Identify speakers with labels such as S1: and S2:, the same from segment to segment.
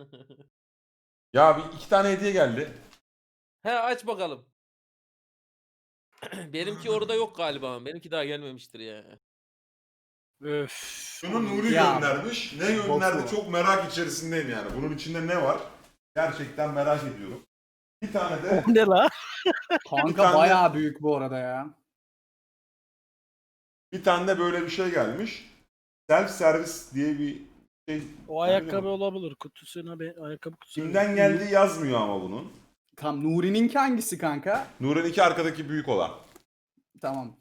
S1: Ya bir iki tane hediye geldi.
S2: He aç bakalım. Benimki orada yok galiba. Benimki daha gelmemiştir ya.
S3: Öf.
S1: Şunu Nuri
S4: Ya,
S1: göndermiş. Ne gönderdi
S4: botu.
S1: çok merak içerisindeyim yani. Bunun içinde ne var? Gerçekten merak ediyorum. Bir tane de
S3: O ne la?
S4: Kanka
S1: tane-
S4: bayağı büyük bu arada ya.
S1: böyle bir şey gelmiş. Self servis diye bir şey.
S3: O ayakkabı olabilir. Kutusuna bir ayakkabı kutusu.
S1: Kimden geldiği yazmıyor ama bunun.
S4: Tam Nuri'ninki hangisi kanka?
S1: Nuri'nin iki arkadaki büyük olan.
S4: Tamam.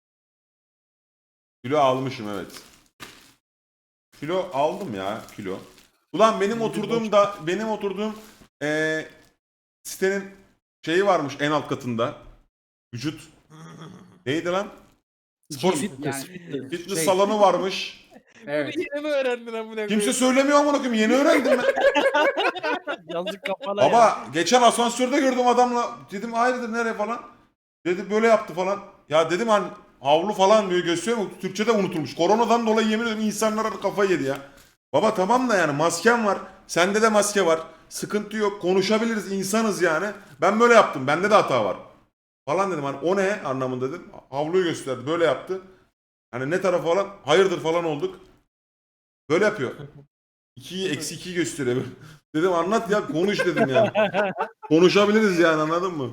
S1: Kilo almışım evet. Kilo aldım ya kilo. Ulan benim oturduğum sitenin şeyi varmış en alt katında. Vücut. Neydi lan? Spor
S4: Gym,
S3: fitness,
S4: yani,
S3: fitness.
S1: fitness
S4: şey,
S1: salonu varmış.
S4: Evet.
S2: Yeni mi öğrendin amına
S1: Kimse
S2: koyayım?
S1: söylemiyor amına koyayım. Yeni öğrendim ben.
S3: Yazık kafana ya.
S1: Baba geçen asansörde gördüm adamla. Dedim hayırdır nereye falan. Dedi böyle yaptı falan. Ya dedim hani havlu falan diyor gösteriyor mu? Türkçe'de unutulmuş. Koronadan dolayı yemin ederim insanlar kafayı yedi ya. Baba tamam da yani masken var. Sende de maske var. Sıkıntı yok. Konuşabiliriz. İnsanız yani. Ben böyle yaptım. Bende de hata var. Falan dedim hani o ne anlamında dedim. Havluyu gösterdi. Böyle yaptı. Hani ne tarafı falan hayırdır falan olduk. Böyle yapıyor. 2'yi eksi 2'yi gösteriyor. Dedim anlat ya konuş dedim yani. Konuşabiliriz yani anladın mı?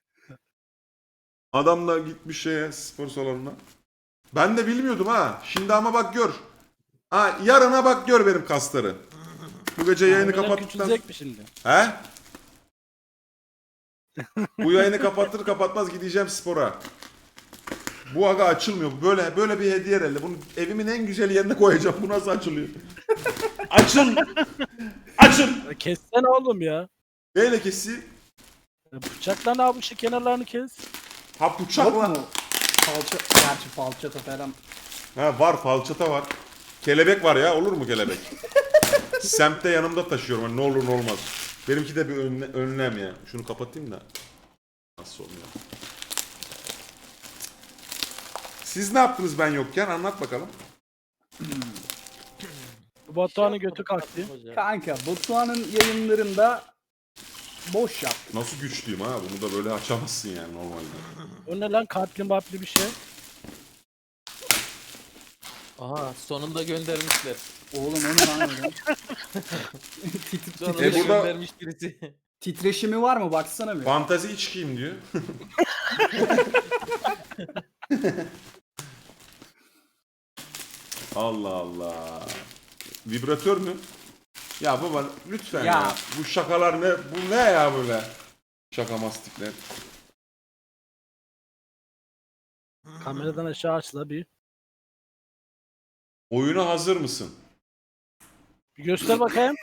S1: Adam da gitmiş şeye spor salonuna. Ben de bilmiyordum ha. Şimdi ama bak gör. Ha yarına bak gör benim kasları. Bu gece yayını
S3: Hamile
S1: kapattıktan...
S3: küçülecek mi şimdi?
S1: He? Bu yayını kapatır kapatmaz gideceğim spora. Bu aga açılmıyor. Böyle bir hediye herhalde. Bunu evimin en güzel yerine koyacağım. Bu nasıl açılıyor? Açıl! Açıl!
S3: Ya kessene oğlum ya.
S1: Neyle keseyim?
S3: Ya bıçakla ne yapmış kenarlarını kes.
S1: Ha
S4: Yok
S1: bıçakla.
S4: mu? Gerçi falçata falan.
S1: Ha var falçata var. Kelebek var ya olur mu kelebek? Semtte yanımda taşıyorum hani ne olur ne olmaz. Benimki de bir önlem ya. Şunu kapatayım da. Nasıl oluyor? Siz ne yaptınız ben yokken anlat bakalım.
S3: Bu Batuhan'ın
S2: Şey
S3: götü
S2: yapmadım,
S3: kalktı.
S2: yapmadım hocam.
S4: Kanka Batuhan'ın yayınlarında boş yaptı.
S1: Nasıl güçlüyüm ha bunu da böyle açamazsın yani normalde.
S3: O ne lan kalpli mapli bir şey.
S2: Aha sonunda göndermişler.
S4: Oğlum o ne lan öyle?
S2: Sonunda
S1: burada-
S2: göndermiş birisi.
S4: Titreşimi var mı baksana bir.
S1: Fantazi içkiyim diyor. Allah Allah. Vibratör mü? Ya baba lütfen ya.
S4: Ya.
S1: Bu şakalar ne? Bu ne ya böyle? Şaka mastikler.
S3: Kameradan aşağı açla bir.
S1: Oyuna hazır mısın?
S3: Bir göster bakayım.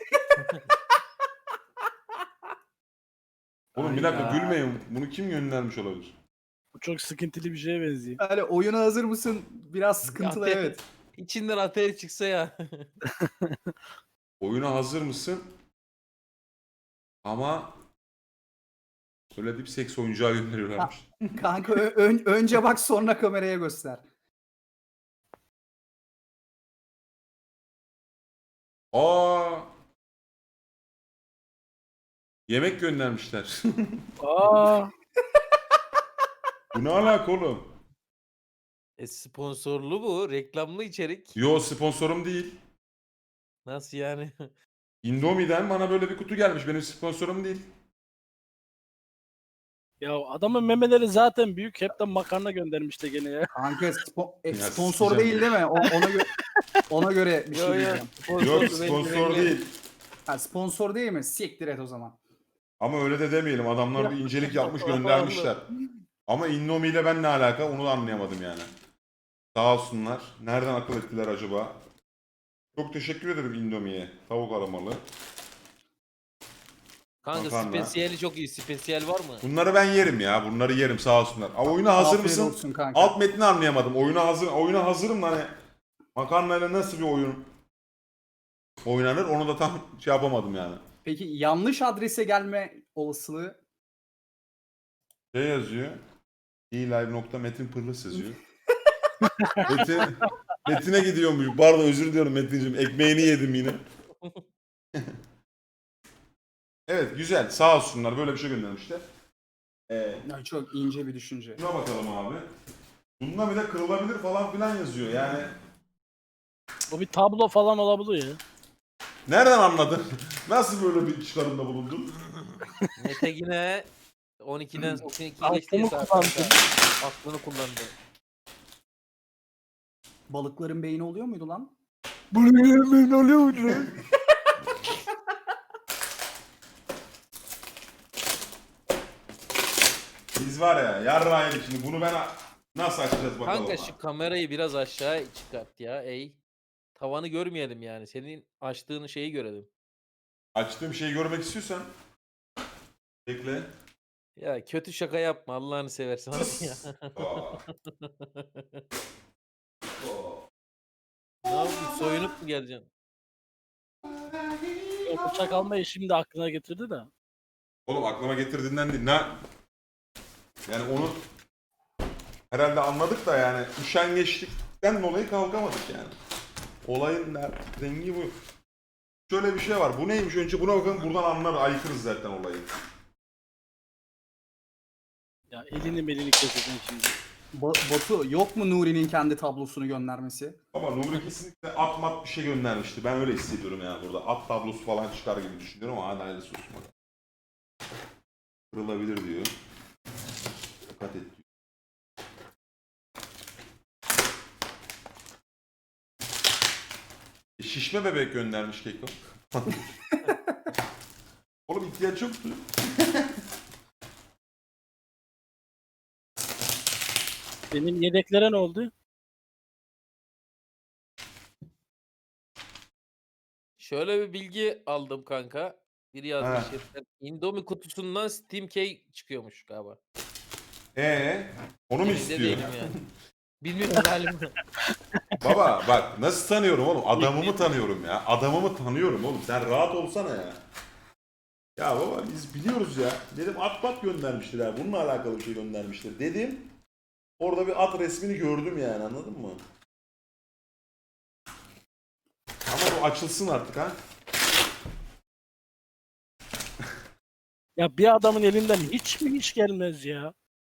S1: Oğlum bir dakika
S4: Hayda.
S1: gülmeyin. Bunu kim göndermiş olabilir?
S3: Bu çok sıkıntılı bir şeye benziyor.
S4: Yani oyuna hazır mısın? Biraz sıkıntılı
S2: Ateş-
S4: evet.
S2: İçinden ateş çıksa ya.
S1: Oyuna hazır mısın? Ama öyle bir seks oyuncağı gönderiyorlarmış.
S4: Kanka önce bak sonra kameraya göster.
S1: Aa! Yemek göndermişler.
S3: Aa,
S1: Bu ne alaka oğlum?
S2: Sponsorlu bu. Reklamlı içerik.
S1: Yo sponsorum değil.
S2: Nasıl yani?
S1: Indomie'den bana böyle bir kutu gelmiş. Benim sponsorum değil.
S3: ya adamın memeleri zaten büyük. Hep de makarna göndermiş de gene ya.
S4: Kanka
S1: Ya
S4: sponsor
S1: sikeceğim.
S4: değil değil mi? ona göre bir şey
S2: Yo yo.
S4: diyeceğim.
S1: Yok
S2: belli,
S1: sponsor
S2: belli.
S1: değil.
S4: Ha, sponsor değil mi? Siktir et o zaman.
S1: Ama öyle de demeyelim. Adamlar bir incelik yapmış göndermişler. Ama Indomie ile ben ne alaka onu da anlayamadım yani. Sağ olsunlar. Nereden akıl ettiler acaba? Çok teşekkür ederim Indomie'ye. Tavuk aramalı.
S2: Kanka
S1: Makarna.
S2: spesiyeli çok iyi. Spesiyel var mı?
S1: Bunları ben yerim ya. Bunları yerim sağ olsunlar. Ama oyuna hazır
S4: Afiyet
S1: mısın?
S4: olsun kanka.
S1: Alt metni anlayamadım. Oyuna hazırım da hani makarnayla nasıl bir oyun oynanır onu da tam şey yapamadım yani.
S4: Peki yanlış adrese gelme olasılığı
S1: Şey yazıyor. ilive.metinpırlıs yazıyor. Metin'e gidiyormuş. Pardon özür diliyorum Metin'cim. Ekmeğini yedim yine. Evet güzel. Sağ olsunlar böyle bir şey göndermişler.
S4: Ya çok ince bir düşünce.
S1: Şuna bakalım abi. Bunda bir de kırılabilir falan filan yazıyor yani.
S3: O bir tablo falan olabilir ya.
S1: Nereden anladın? Nasıl böyle bir çıkarımda bulundun?
S2: Mete yine 12'den 12 geçti
S3: Aklımı
S2: saat
S3: kullandım.
S2: kanka. Aklını kullandı.
S4: Balıkların beyni oluyor muydu lan?
S3: Bunu yemin oluyor.
S1: Biz var ya yarrağıydık şimdi bunu ben nasıl açacağız bakalım.
S2: Kanka şu kamerayı biraz aşağı çıkart ya ey. Tavanı görmeyelim yani. Senin açtığın şeyi görelim.
S1: Açtığım şeyi görmek istiyorsan bekle.
S2: Ya kötü şaka yapma Allah'ını seversen abi ya.
S1: Aa.
S2: Ne yapıyorsun? Soyunup mu geleceksin?
S3: O bıçak almayı şimdi aklına getirdi de.
S1: Oğlum aklıma getirdiğinden değil. Yani onu herhalde anladık da yani üşengeçlikten dolayı kalkamadık yani. Olayın rengi bu. Şöyle bir şey var. Bu neymiş önce buna bakalım buradan anlar aykırız zaten olayı.
S3: Ya elini keseceksin şimdi.
S4: Batu yok mu Nuri'nin kendi tablosunu göndermesi?
S1: Ama Nuri kesinlikle at mat bir şey göndermişti. Ben öyle hissediyorum yani burada. At tablosu falan çıkar gibi düşünüyorum ama hadi hayırlısı olsun bakalım. Kırılabilir diyor. Dikkat et diyor. Şişme bebek göndermiş Keko. Oğlum ihtiyaç yoktu.
S3: Benim yedeklere ne oldu?
S2: Şöyle bir bilgi aldım kanka. Biri yazmış. Indomie kutusundan Steam Key çıkıyormuş galiba.
S1: Onu mu
S2: Emin de
S1: istiyor?
S2: değilim yani. Bilmiyorum halimden.
S1: Baba bak nasıl tanıyorum oğlum? Adamımı tanıyorum ya. Adamımı tanıyorum oğlum. Sen rahat olsana ya. Ya baba biz biliyoruz ya. Dedim at bat göndermiştir ha. Bununla alakalı bir şey göndermiştir. Dedim. Orada bir at resmini gördüm yani anladın mı? Ama bu açılsın artık ha.
S3: Ya bir adamın elinden hiç mi iş gelmez ya?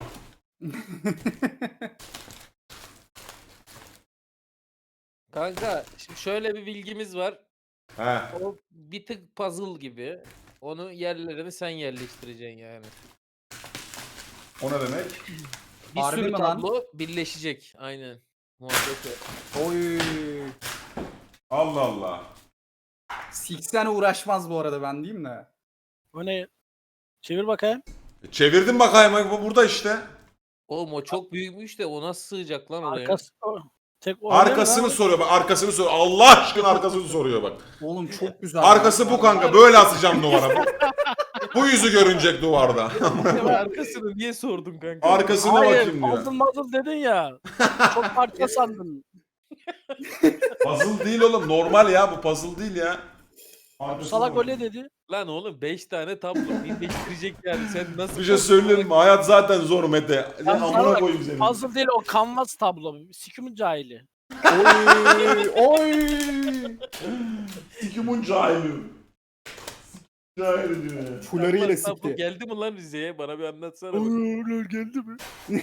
S2: Kanka şimdi şöyle bir bilgimiz var.
S1: He.
S2: O bir tık puzzle gibi. Onu yerlerini sen yerleştireceksin yani.
S1: O ne demek?
S2: Bir
S4: Harbi
S2: sürü
S4: mi lan?
S2: tablo birleşecek. Aynen. Muhabbet o.
S4: Oy.
S1: Allah Allah.
S4: Siksen uğraşmaz bu arada ben diyeyim de.
S3: O ne? Çevir bakayım.
S1: Çevirdim bakayım bu burada işte.
S2: Oğlum o çok büyükmüş de o nasıl sığacak lan oraya?
S3: Arkası tek o
S1: Arkasını
S3: ne lan?
S1: soruyor bak arkasını soruyor. Allah aşkına arkasını soruyor bak.
S4: Oğlum çok güzel.
S1: Arkası bu kanka böyle asacağım duvara. Bu yüzü görünecek duvarda.
S2: Ya arkasını niye sordun kanka?
S1: Arkasına
S3: Hayır,
S1: bakayım diyor.
S3: puzzle dedin ya. Çok parça sandım.
S1: Puzzle değil oğlum normal ya bu puzzle değil ya. Arkasına
S3: Salak
S1: bak.
S3: öyle dedi.
S2: Lan oğlum 5 tane tablo birleştirecek yani sen nasıl...
S1: Bir şey söyleyeyim mi? Hayat zaten zor Mete. Sen
S3: Ben sana
S1: amına
S3: bak,
S1: koyayım seni.
S3: Puzzle değil o canvas tablo. Sikimin cahili.
S4: Oy. Oy.
S1: Sikimun cahili. Cahili diyor ya.
S4: Fularıyla
S2: Tablo
S4: sikti.
S2: geldi mi lan Rize'ye? Bana bir anlatsana. bak.
S3: Öyle geldi mi?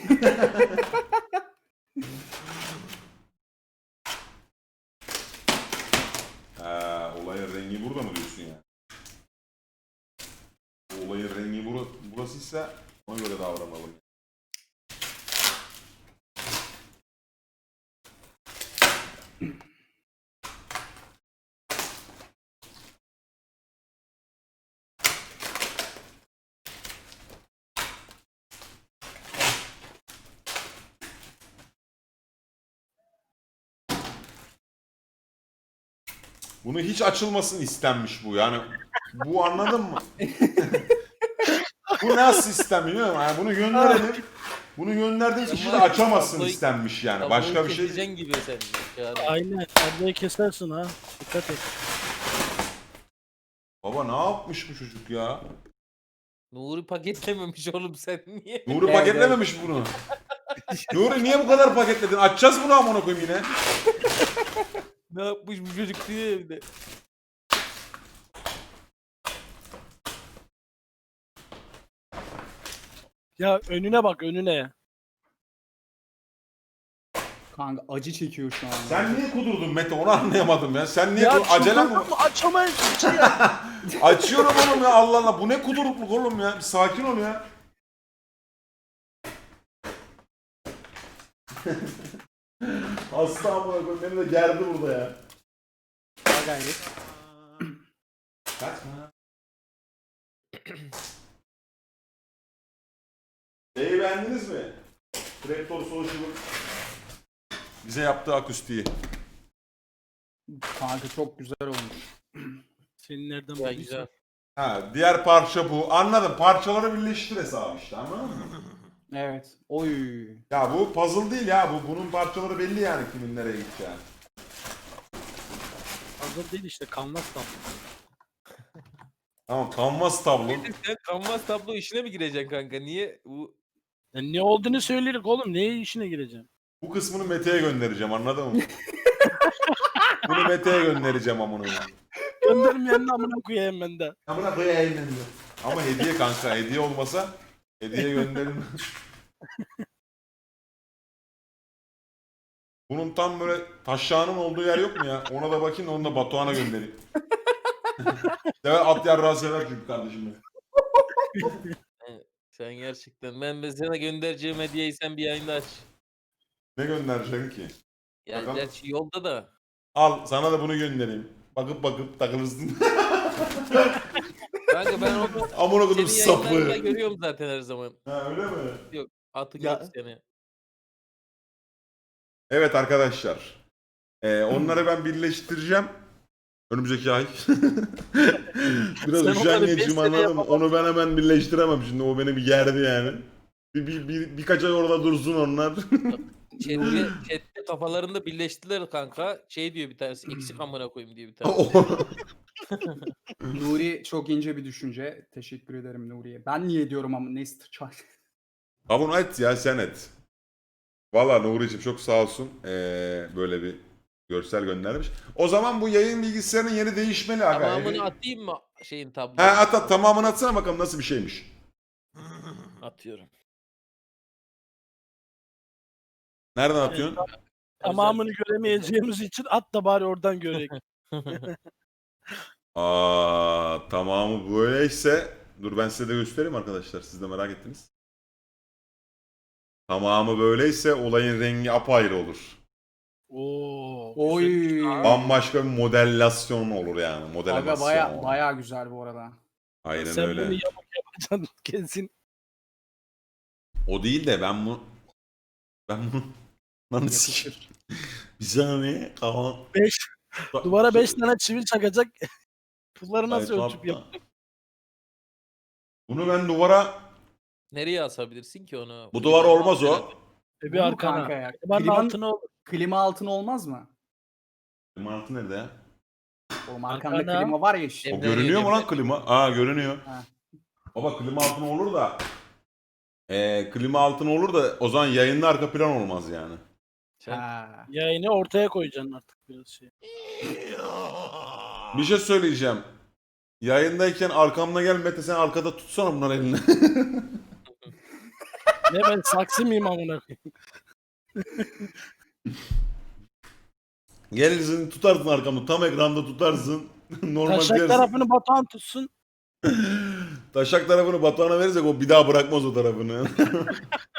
S1: Ha, olayın rengi burada mı diyorsun ya? Olayın rengi burasıysa ona göre davranalım. Bunu hiç açılmasın istenmiş bu yani. Bu anladın mı? Bu nasıl sistem bilmiyorum yani bunu gönderelim. Bunu gönderdiğiniz kişi de açamazsın istenmiş yani.
S2: Tabloyu
S1: Başka bir şey
S2: keseceksin gibi sen. Yani.
S3: Aynen. Tabloyu kesersin ha. Dikkat et.
S1: Baba ne yapmış bu çocuk ya?
S2: Nuri paketlememiş oğlum sen niye?
S1: Nuri
S4: Evet,
S1: paketlememiş bunu. Nuri niye bu kadar paketledin? Açacağız bunu amına koyayım yine.
S2: Ne yapmış bu çocuk diye evde.
S3: Ya önüne bak önüne.
S4: Kanka acı çekiyor şu an.
S1: Sen niye kudurdun Mete onu anlayamadım ya. Sen niye
S3: Ya
S1: acelen mi?
S3: çıldırdım, açamayız hiç ya.
S1: Açıyorum oğlum ya Allah Allah. Bu ne kudurukluk oğlum ya. Bir sakin ol ya. Hasta amına koyayım. Beni de gerdi burada ya.
S4: Daha gayret.
S1: Kaçma. Şeyi beğendiniz mi? Trapdoor Social'ın bize yaptığı akustiği.
S4: Kanka çok güzel olmuş.
S3: Senin nereden
S2: Ya
S3: bulduysan.
S2: güzel.
S1: Ha, diğer parça bu. Anladım. Parçaları birleştir hesabı işte anladın mı?
S4: Evet. Oy.
S1: Ya bu puzzle değil ya. Bunun parçaları belli yani kimin nereye gideceği.
S3: Hazır değil işte kanvas da.
S1: Tamam kanvas tablo.
S2: Sen kanvas tablo işine mi gireceksin kanka? Niye bu
S3: Yani ne olduğunu söyledik oğlum. Neye işine gireceğim?
S1: Bu kısmını Mete'ye göndereceğim anladın mı? Bunu Mete'ye göndereceğim amına koyayım.
S3: Göndermeyenin amına koyayım ben de.
S1: Amına koyayım ben de. Ama hediye kanka hediye olmasa hediye gönderin. Bunun tam böyle taşağının olduğu yer yok mu ya? Ona da bakayım da onu da Batuhan'a göndereyim. Sever at yarrağı sever çünkü kardeşim benim.
S2: sen gerçekten ben sana göndereceğim hediyeyi sen bir yayında aç.
S1: Ne göndereceksin ki?
S2: Yani
S1: Bakalım.
S2: gerçi yolda da.
S1: Al sana da bunu göndereyim. Bakıp takılırsın.
S2: Kanka ben onu
S1: Amına koydum
S2: senin yayınlarında
S1: sapı.
S2: görüyorum zaten her zaman.
S1: Ha öyle mi?
S2: Atın
S4: Ya-
S2: yok seni.
S1: Evet arkadaşlar. Onları ben birleştireceğim. Önümüzdeki ay. Biraz
S3: Sen onları beş
S1: üşengecim
S3: sene
S1: anladım.
S3: yapamazsın.
S1: Onu ben hemen birleştiremem şimdi. O beni bir gerdi yani. Birkaç ay orada dursun onlar.
S2: Chat'te kafalarında birleştiler kanka. Şey diyor bir tanesi eksik amına koyayım diyor bir tanesi.
S4: Nuri çok ince bir düşünce. Teşekkür ederim Nuri'ye. Ben niye diyorum ama neyse çay.
S1: Abone et ya sen et. Valla Nuri'cim çok sağ olsun. Böyle bir görsel göndermiş. O zaman bu yayın bilgisayarının yeri değişmeli aga.
S2: Tamamını atayım mı şeyin
S1: He
S2: tablosuna?
S1: at tamamını atsana bakalım nasıl bir şeymiş.
S2: Atıyorum.
S1: Nereden atıyorsun?
S3: Tamamını göremeyeceğimiz için at da bari oradan görek.
S1: Tamamı böyleyse dur ben size de göstereyim arkadaşlar. Siz de merak ettiniz. Tamamı böyleyse olayın rengi apayrı olur.
S3: Oo.
S4: Oy.
S3: güzelmiş ha.
S1: Bambaşka bir modellasyon olur yani. Modellasyon.
S4: Aga baya güzel bu arada.
S1: Aynen
S3: Sen
S1: öyle.
S3: bunu yapacaksın kesin.
S1: O değil de ben bunu lan sikeyim.
S4: Yakışır.
S1: Bir saniye kalan.
S3: 5 duvara 5 tane çivi çakacak. Bunları nasıl
S1: Ay,
S3: ölçüp
S1: kapta.
S3: yapacak?
S1: Bunu ben duvara
S2: Nereye asabilirsin ki onu?
S1: bu duvar olmaz o.
S3: Bir
S4: Olur
S3: arkana.
S4: kanka ya.
S3: Klimanın altına olur.
S4: Klima altına olmaz mı?
S1: Mantı nerede ya?
S4: Oğlum arkanda
S3: Arkana.
S4: klima var ya işte.
S1: O
S2: Emre
S1: görünüyor mu
S2: Emre.
S1: lan klima? Görünüyor.
S4: Ha.
S1: Baba klima altına olur da klima altına olur da o zaman yayında arka plan olmaz yani.
S2: Sen
S4: Ha.
S3: Yayını ortaya koyacaksın artık biraz şey.
S1: Bir şey söyleyeceğim. Yayındayken arkamda gel Mete sen arkada tutsana bunları eline.
S3: Ne ben saksı mıyım amına koyayım?
S1: Gelirsin tutarsın arkamda tam ekranda tutarsın. Normal
S3: Taşak
S1: dersin.
S3: tarafını Batuhan tutsun.
S1: Taşak tarafını Batuhan'a verirsek o bir daha bırakmaz o tarafını.